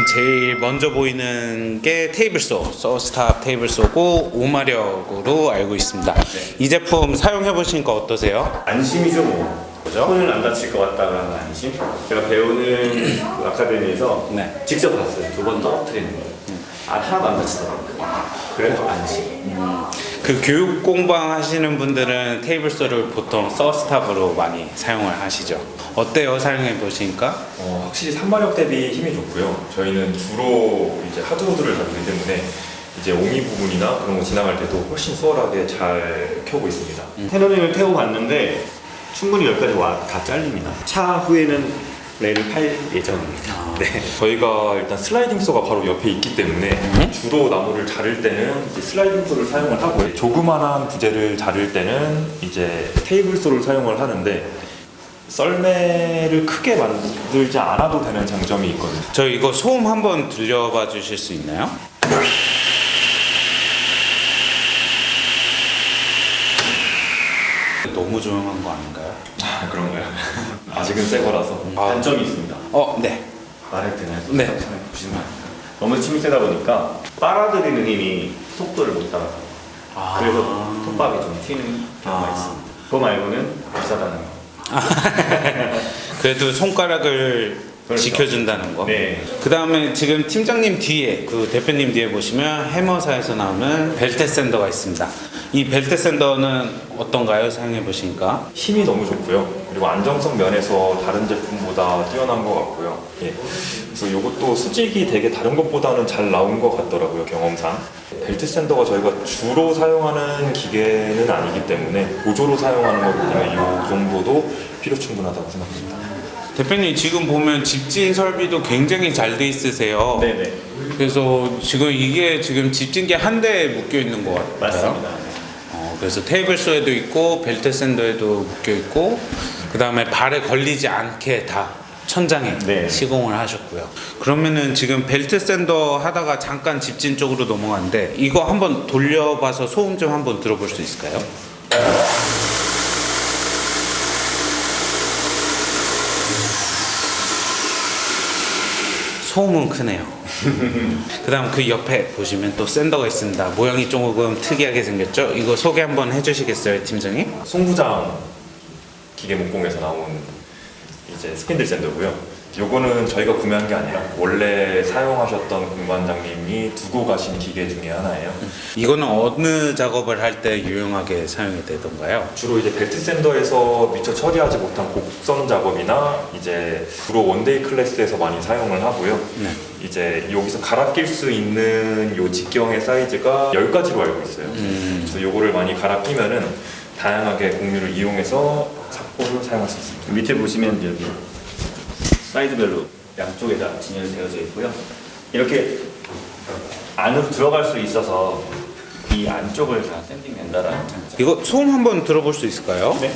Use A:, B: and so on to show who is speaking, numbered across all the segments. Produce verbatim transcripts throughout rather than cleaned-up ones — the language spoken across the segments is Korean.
A: 제일 먼저 보이는 게 테이블소, 소스탑 테이블소고 오마력으로 알고 있습니다.
B: 네.
A: 이 제품 사용해 보시니까 어떠세요?
B: 안심이죠 뭐. 손을 안 다칠 것 같다라는 안심. 제가 배우는 그 아카데미에서
A: 네.
B: 직접 봤어요. 두 번 떨어뜨리는 거예요. 아 하나도 안 다치더라고요. 그래서 안심.
A: 그 교육 공방 하시는 분들은 테이블소를 보통 소스탑으로 많이 사용을 하시죠. 어때요? 사용해 보시니까?
C: 어, 확실히 산마력 대비 힘이 좋고요. 저희는 주로 이제 하드로드를 다루기 때문에 이제 옹이 부분이나 그런 거 지나갈 때도 훨씬 수월하게 잘 켜고 있습니다.
B: 테너링을 태워 봤는데 충분히 여기까지 와 다 잘립니다. 차 후에는 레일을 팔 예정입니다. 네.
C: 저희가 일단 슬라이딩 소가 바로 옆에 있기 때문에 주로 나무를 자를 때는 이제 슬라이딩 소를 사용을 하고 조그만한 부재를 자를 때는 이제 테이블 소를 사용을 하는데 썰매를 크게 만들지 않아도 되는 장점이 있거든요.
A: 저 이거 소음 한번 들려봐 주실 수 있나요? 너무 조용한 거 아닌가요?
C: 아, 그런가요? 아직은 새 거라서.
A: 아.
B: 단점이 있습니다.
A: 어, 네.
B: 말해도 되나요?
A: 네.
B: 보시면 너무 힘이 세다 보니까 빨아들이는 힘이 속도를 못 따라가요.
A: 아.
B: 그래서 톱밥이 좀 튀는 경우가
A: 아.
B: 있습니다. 그거 말고는 비싸다는 거.
A: 그래도 손가락을
B: 그렇죠.
A: 지켜준다는 거.
B: 네.
A: 그 다음에 지금 팀장님 뒤에, 그 대표님 뒤에 보시면 해머사에서 나오는 벨트 샌더가 있습니다. 이 벨트 샌더는 어떤가요? 사용해 보시니까.
C: 힘이 너무 좋고요. 그리고 안정성 면에서 다른 제품보다 뛰어난 것 같고요. 예. 그래서 이것도 수직이 되게 다른 것보다는 잘 나온 것 같더라고요, 경험상. 벨트 샌더가 저희가 주로 사용하는 기계는 아니기 때문에 보조로 사용하는 거기 때문에 이 정도도 필요 충분하다고 생각합니다.
A: 대표님 지금 보면 집진 설비도 굉장히 잘 돼 있으세요.
B: 네네.
A: 그래서 지금 이게 지금 집진기 한 대에 묶여 있는 것 같아요.
B: 맞습니다.
A: 어, 그래서 테이블소에도 있고 벨트 샌더에도 묶여 있고 그 다음에 발에 걸리지 않게 다 천장에
B: 네.
A: 시공을 하셨고요. 그러면은 지금 벨트 샌더 하다가 잠깐 집진 쪽으로 넘어갔는데 이거 한번 돌려봐서 소음 좀 한번 들어볼 수 있을까요? 소음은 크네요. 그 다음 그 옆에 보시면 또 샌더가 있습니다. 모양이 조금 특이하게 생겼죠? 이거 소개 한번 해주시겠어요, 팀장님?
C: 송부장 기계 목공에서 나온 이제 스핀들 샌더고요. 요거는 저희가 구매한 게 아니라 원래 사용하셨던 공반장님이 두고 가신 기계 중에 하나예요.
A: 이거는 어느 작업을 할 때 유용하게 사용이 되던가요?
C: 주로 이제 벨트 샌더에서 미처 처리하지 못한 곡선 작업이나 이제 주로 원데이 클래스에서 많이 사용을 하고요.
A: 네.
C: 이제 여기서 갈아 낄 수 있는 요 직경의 사이즈가 열 가지로 알고 있어요.
A: 음.
C: 그래서 요거를 많이 갈아 끼면은 다양하게 곡류를 이용해서 삽골을 사용할 수 있습니다.
B: 밑에 보시면 여기 사이즈별로 양쪽에다 진열이 되어져 있고요. 이렇게 안으로 들어갈 수 있어서 이 안쪽을 다 샌딩된다라는 장점.
A: 이거 소음 한번 들어볼 수 있을까요?
B: 네.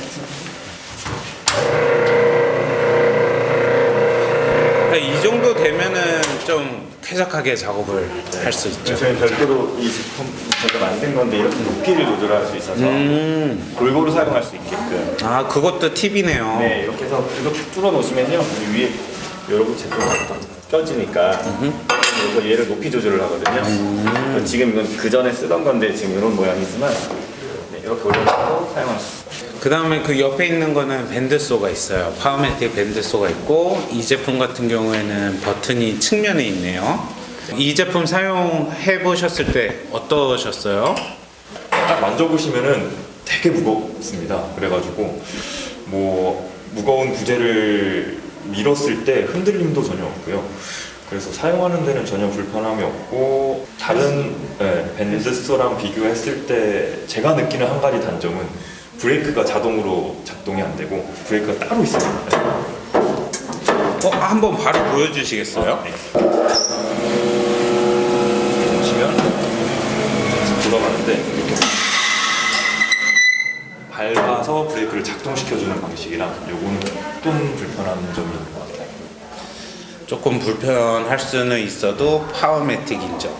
A: 이 정도 되면은 좀 쾌적하게 작업을 할 수 있죠.
B: 저희는 별도로 이 제품 저희가 만든 건데 이렇게 높이를 조절할 수 있어서
A: 음.
B: 골고루 사용할 수 있게끔.
A: 아, 그것도 팁이네요.
B: 네, 이렇게 해서 이렇게 뚫어 놓으시면요. 여기 위에 여러분 제품이 다 껴지니까 그래서 얘를 높이 조절을 하거든요. 지금 이건 그 전에 쓰던 건데 지금 이런 모양이지만 네, 이렇게 올려놓고 사용할 수 있어요.
A: 그 다음에 그 옆에 있는 거는 밴드소가 있어요. 파워매틱 밴드소가 있고 이 제품 같은 경우에는 버튼이 측면에 있네요. 이 제품 사용해 보셨을 때 어떠셨어요?
C: 딱 만져보시면은 되게 무겁습니다. 그래가지고 뭐 무거운 부재를 밀었을 때 흔들림도 전혀 없고요. 그래서 사용하는 데는 전혀 불편함이 없고 다른 네, 밴드소랑 비교했을 때 제가 느끼는 한 가지 단점은 브레이크가 자동으로 작동이 안 되고 브레이크가 따로 있습니다.
A: 어, 한번 바로 보여주시겠어요?
C: 네. 보시면 돌아가는데 이렇게 밟아서 브레이크를 작동시켜주는 방식이랑 요거는 조금 불편한 점이 있는 것 같아요.
A: 조금 불편할 수는 있어도 파워매틱 인정.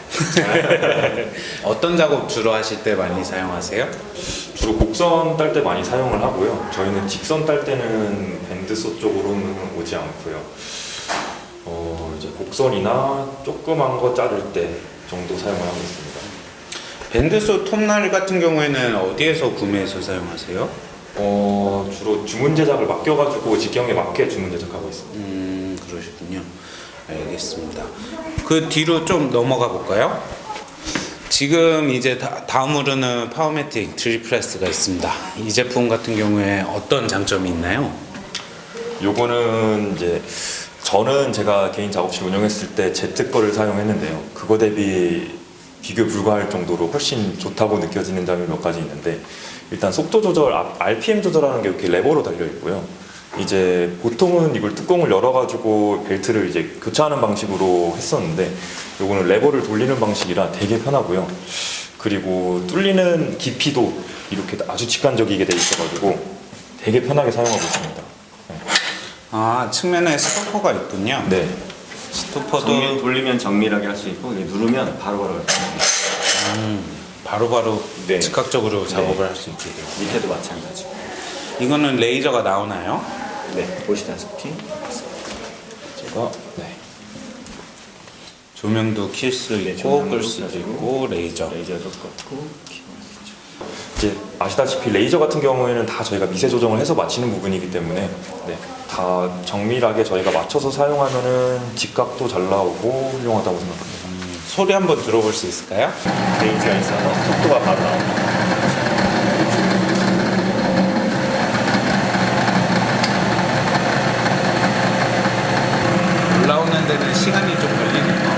A: 어떤 작업 주로 하실 때 많이 사용하세요?
C: 주로 곡선 딸 때 많이 사용을 하고요. 저희는 직선 딸 때는 밴드소 쪽으로는 오지 않고요. 어, 이제 곡선이나 조그만 거 자를 때 정도 사용을 하고 있습니다.
A: 밴드소 톱날 같은 경우에는 어디에서 구매해서 사용하세요?
C: 어, 주로 주문 제작을 맡겨가지고 직경에 맞게 주문 제작하고 있습니다.
A: 음, 그러시군요. 알겠습니다. 그 뒤로 좀 넘어가 볼까요? 지금 이제 다, 다음으로는 파워매틱 드릴프레스가 있습니다. 이 제품 같은 경우에 어떤 장점이 있나요?
C: 요거는 이제 저는 제가 개인 작업실 운영했을 때 Z 거를 사용했는데요. 그거 대비 비교 불가할 정도로 훨씬 좋다고 느껴지는 점이 몇 가지 있는데, 일단 속도 조절, 알피엠 조절하는 게 이렇게 레버로 달려 있고요. 이제 보통은 이걸 뚜껑을 열어가지고 벨트를 이제 교차하는 방식으로 했었는데, 요거는 레버를 돌리는 방식이라 되게 편하고요. 그리고 뚫리는 깊이도 이렇게 아주 직관적이게 돼 있어가지고 되게 편하게 사용하고 있습니다.
A: 아, 측면에 스토퍼가 있군요.
C: 네.
A: 스토퍼도
B: 정밀 돌리면 정밀하게 할 수 있고 이게 누르면 바로바로 할 수 있고
A: 음, 바로바로
B: 네.
A: 즉각적으로 작업을
B: 네.
A: 할 수 있게 돼요.
B: 밑에도 마찬가지.
A: 이거는 레이저가 나오나요?
B: 네, 보시다시피
C: 제가 네.
A: 조명도 킬 수
B: 네,
A: 있고
B: 조명도
A: 끌 수도
B: 켜지고,
A: 있고 레이저.
B: 레이저도 껐고 키워할 수 있죠.
C: 이제 아시다시피 레이저 같은 경우에는 다 저희가 미세 조정을 해서 맞추는 부분이기 때문에 네, 다 정밀하게 저희가 맞춰서 사용하면은 직각도 잘 나오고 훌륭하다고 생각합니다.
A: 음, 소리 한번 들어볼 수 있을까요?
B: 레이저가 있어서 속도가 바로 나옵니다.
A: 올라오는 데는 시간이 좀 걸리네요.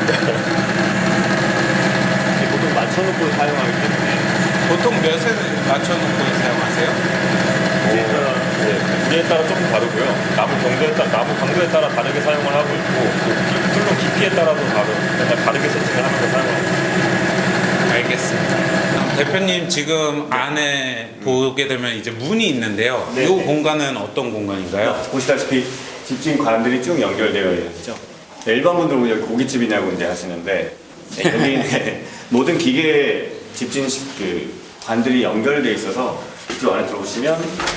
B: 이게 보통 맞춰놓고 사용하기 때문에
A: 보통 몇에 맞춰놓고 사용하세요?
B: 구제에 따라
C: 네, 구제에 따라 조금 다르고요. 나무 경도에 따라 나무 강도에 따라 다르게 사용을 하고 있고, 그 뚫는 깊이에 따라도 다르, 그러니까 다르게 세팅을 하면서 사용하고 있습니다.
A: 알겠습니다. 그럼 대표님 지금 안에 보게 되면 이제 문이 있는데요.
B: 네,
A: 이
B: 네.
A: 공간은 어떤 공간인가요?
B: 보시다시피 집진 관들이 쭉 연결되어 있죠. 네, 일반 분들 오면 여기 고깃집이냐고 이제 하시는데 네, 여기 네, 모든 기계 집진 그 관들이 연결되어 있어서 이쪽 안에 들어오시면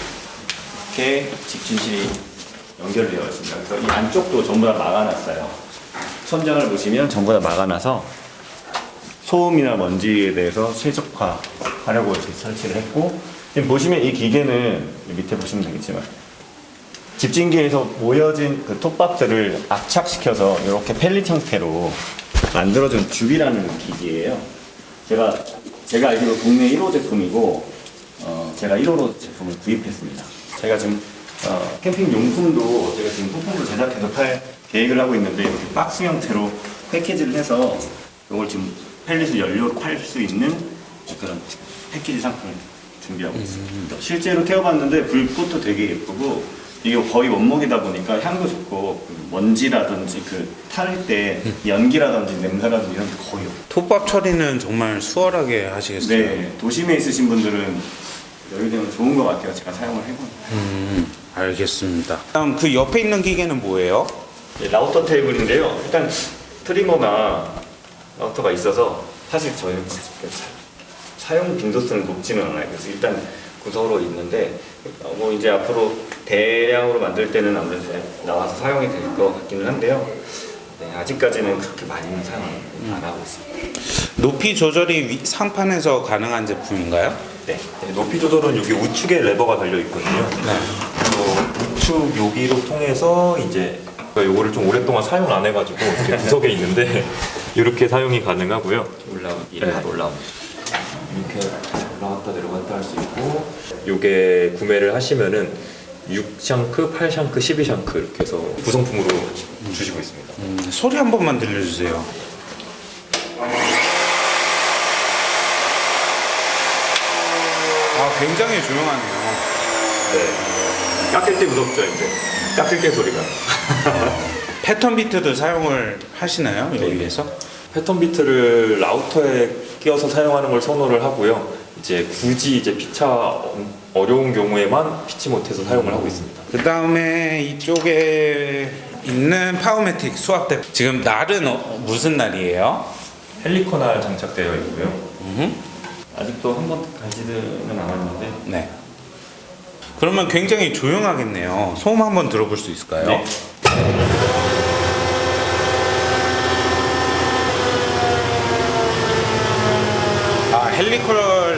B: 이렇게 집진실이 연결되어 있습니다. 그래서 이 안쪽도 전부 다 막아놨어요. 천장을 보시면 전부 다 막아놔서 소음이나 먼지에 대해서 최적화하려고 이렇게 설치를 했고, 지금 보시면 이 기계는 밑에 보시면 되겠지만 집진기에서 모여진 그 톱밥들을 압착시켜서 이렇게 펠릿 형태로 만들어준 줍이라는 기기예요. 제가 제가 알기로 국내 일 호 제품이고 어, 제가 일 호로 제품을 구입했습니다. 제가 지금 어, 캠핑 용품도 제가 지금 소품으로 제작해서 팔 계획을 하고 있는데 이렇게 박스 형태로 패키지를 해서 이걸 지금 펠릿을 연료로 팔 수 있는 그런 패키지 상품을 준비하고 있습니다. 실제로 태워봤는데 불꽃도 되게 예쁘고 이게 거의 원목이다 보니까 향도 좋고 그 먼지라든지 그 탈 때 연기라든지 냄새라든지 이런 게 거의 없고.
A: 톱밥 처리는 정말 수월하게 하시겠어요?
B: 네, 도심에 있으신 분들은 여기 되면 좋은 것 같아요. 제가 사용을 해보니까.
A: 음, 알겠습니다. 다음 그 옆에 있는 기계는 뭐예요?
B: 네, 라우터 테이블인데요. 일단 트리머나 라우터가 있어서 사실 저희는 사용 빈도수는 높지는 않아요. 그래서 일단 구석으로 있는데 어, 뭐 이제 앞으로 대량으로 만들 때는 아무래도 이제 나와서 사용이 될 것 같기는 한데요. 네, 아직까지는 그렇게 많이는 사용을 안 하고 있습니다.
A: 높이 조절이 위, 상판에서 가능한 제품인가요?
B: 네.
C: 네, 높이 조절은 여기 우측에 레버가 달려 있거든요.
A: 네.
C: 그래서 우측 여기로 통해서 이제 요거를 좀 오랫동안 사용 안 해가지고 이렇게 구석에 있는데 이렇게 사용이 가능하고요.
B: 올라오기
C: 네.
B: 올라오기.
C: 이렇게 올라갔다 내려갔다 할 수 있고, 요게 구매를 하시면은 육 샹크, 팔 샹크, 십이 샹크 이렇게 해서 구성품으로 주시고 있습니다.
A: 음, 소리 한 번만 들려주세요. 아, 굉장히 조용하네요.
C: 네. 깎일 때 무섭죠, 이제. 깎일 때 소리가.
A: 패턴 비트도 사용을 하시나요? 여기에서?
C: 패턴 비트를 라우터에 끼워서 사용하는 걸 선호를 하고요. 이제 굳이 이제 피차 어려운 경우에만 피치 못해서 사용을 하고 있습니다.
A: 그 다음에 이쪽에 있는 파워매틱 수압대. 지금 날은 어, 무슨 날이에요?
C: 헬리코날 장착되어 있고요.
A: 음흠.
B: 아직도 한 번 가지는 않았는데.
A: 네. 그러면 굉장히 조용하겠네요. 소음 한번 들어볼 수 있을까요?
B: 네.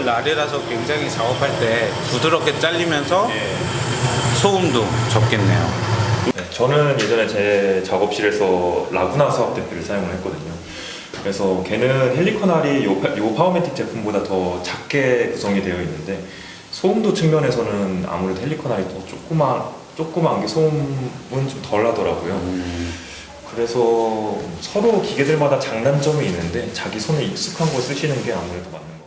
A: 날이라서 굉장히 작업할 때 부드럽게 잘리면서
C: 예.
A: 소음도 적겠네요.
C: 네, 저는 예전에 제 작업실에서 라구나 수압 대피를 사용을 했거든요. 그래서 걔는 헬리코날이 요, 파- 요 파워매틱 제품보다 더 작게 구성이 되어 있는데 소음도 측면에서는 아무래도 헬리코날이 더 조그만 조그만 게 소음은 좀 덜 하더라고요.
A: 음,
C: 그래서 서로 기계들마다 장단점이 있는데 자기 손에 익숙한 거 쓰시는 게 아무래도 맞는 것 같아요.